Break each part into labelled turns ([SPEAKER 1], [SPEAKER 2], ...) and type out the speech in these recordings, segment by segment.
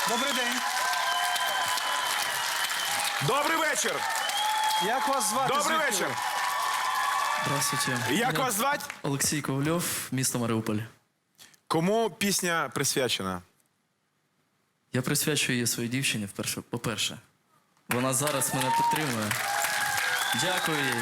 [SPEAKER 1] Добрий день.
[SPEAKER 2] Добрий вечір.
[SPEAKER 1] Як вас звати?
[SPEAKER 2] Добрий
[SPEAKER 1] Звідки
[SPEAKER 2] вечір.
[SPEAKER 1] ви?
[SPEAKER 3] Здравствуйте.
[SPEAKER 2] Як
[SPEAKER 3] Меня
[SPEAKER 2] вас звати?
[SPEAKER 3] Олексій Ковальов, місто Маріуполь.
[SPEAKER 2] Кому пісня присвячена?
[SPEAKER 3] Я присвячую її своїй дівчині, по-перше. Вона зараз мене підтримує. Дякую їй.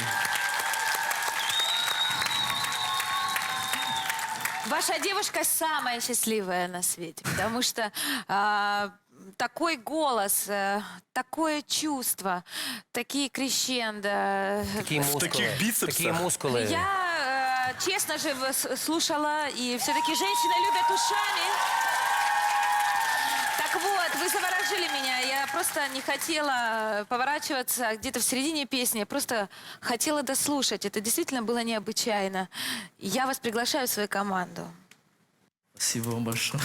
[SPEAKER 4] Ваша девушка самая счастливая на свете, потому что такой голос, такое чувство, такие крещендо.
[SPEAKER 5] Такі мускули.
[SPEAKER 2] таких біцепсах.
[SPEAKER 5] Такі мускули.
[SPEAKER 4] Я, честно же, слушала, и все-таки женщины любят ушами. Так вот, вы заворожили меня. Я просто не хотела поворачиваться где-то в середине песни. Я просто хотела дослушать. Это действительно было необычайно. Я вас приглашаю в свою команду.
[SPEAKER 3] Спасибо вам большое.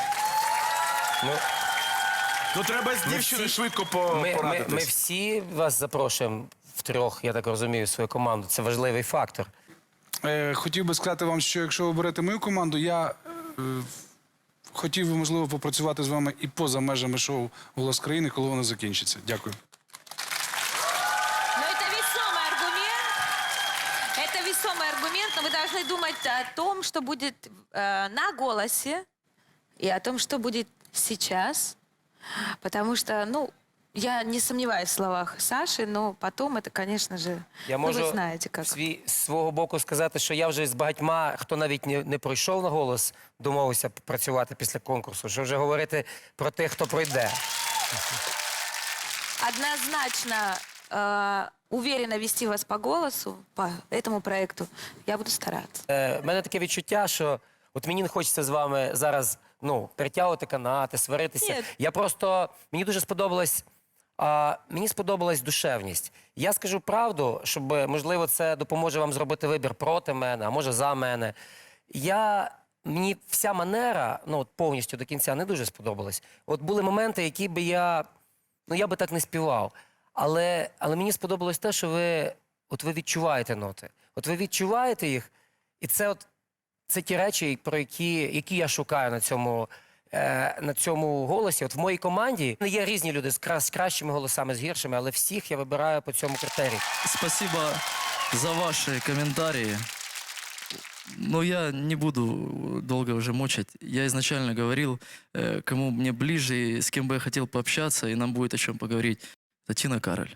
[SPEAKER 2] Ну треба з дівчиною
[SPEAKER 5] всі-
[SPEAKER 2] швидко
[SPEAKER 5] Ми
[SPEAKER 2] порадитись.
[SPEAKER 5] всі вас запрошуємо втрьох, я так розумію, в свою команду. Це важливий фактор.
[SPEAKER 1] Хотів би сказати вам, що якщо ви берете мою команду, я хотів би, можливо, попрацювати з вами і поза межами шоу «Голос країни», коли воно закінчиться. Дякую.
[SPEAKER 4] Но это весомый аргумент. Это весомый аргумент, но вы должны думать о том, что будет на голосе, и о том, что будет сейчас. Потому что, ну, я не сомневаюсь в словах Саши, но потом это, конечно же,
[SPEAKER 5] Я
[SPEAKER 4] ну,
[SPEAKER 5] можу
[SPEAKER 4] вы знаете как.
[SPEAKER 5] з свого боку сказати, що я вже з багатьма, хто навіть не пройшов на голос, домовився працювати після конкурсу, що вже говорити про тих, хто пройде.
[SPEAKER 4] Однозначно уверенно вести вас по голосу, по этому проекту, я буду стараться.
[SPEAKER 5] В мене таке відчуття, що от мені не хочеться з вами зараз перетягувати канати, сваритися.
[SPEAKER 4] Ні.
[SPEAKER 5] Я просто, мені дуже сподобалась душевність. Я скажу правду, щоб, можливо, це допоможе вам зробити вибір проти мене, а може за мене. Мені вся манера, повністю до кінця не дуже сподобалась. От були моменти, які би я би так не співав. Але мені сподобалось те, що ви відчуваєте ноти. От ви відчуваєте їх, і це ті речі, про які я шукаю на цьому голосі. От в моїй команді є різні люди з кращими голосами, з гіршими, але всіх я вибираю по цьому критерію.
[SPEAKER 3] Спасибо за ваши комментарии. Но я не буду долго уже мучать. Я изначально говорил, кому мне ближе и с кем бы я хотел пообщаться, и нам будет о чем поговорить. Это Тина Кароль.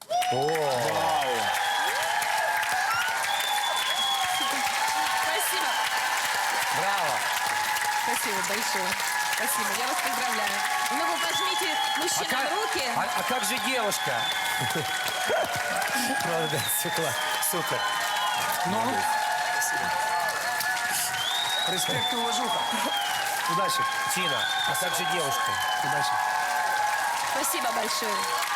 [SPEAKER 4] Спасибо.
[SPEAKER 5] Браво!
[SPEAKER 4] Спасибо большое. Спасибо. Я вас поздравляю. Ну, вы пожмите мужчинам руки.
[SPEAKER 5] А как же девушка? Молодец, супер.
[SPEAKER 1] Ну, респект і уважуха. Удачі.
[SPEAKER 5] Тина, а как же девушка?
[SPEAKER 1] Удачі.
[SPEAKER 4] Спасибо большое.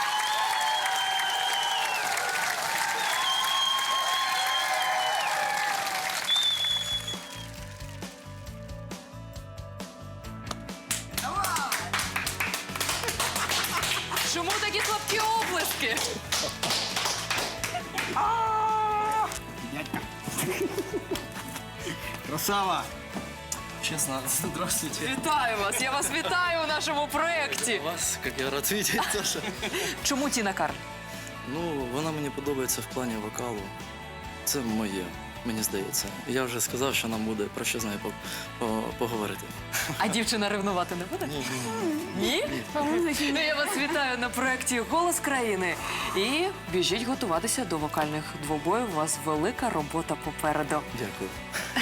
[SPEAKER 6] Чому такі слабкі оплески?
[SPEAKER 1] Красава.
[SPEAKER 3] Честно, здравствуйте.
[SPEAKER 6] Вітаю вас! Я вас вітаю у нашому проєкті.
[SPEAKER 3] Вас, как я рад видеть, Саша.
[SPEAKER 6] Чому Тіна Кароль?
[SPEAKER 3] Ну, вона мені подобається в плані вокалу. Це моє, мені здається. Я вже сказав, що нам буде про що з нею поговорити.
[SPEAKER 6] А дівчина ревнувати не буде? Ні? Ну, я вас вітаю на проєкті «Голос країни». І біжіть готуватися до вокальних двобоїв. У вас велика робота попереду.
[SPEAKER 3] Дякую.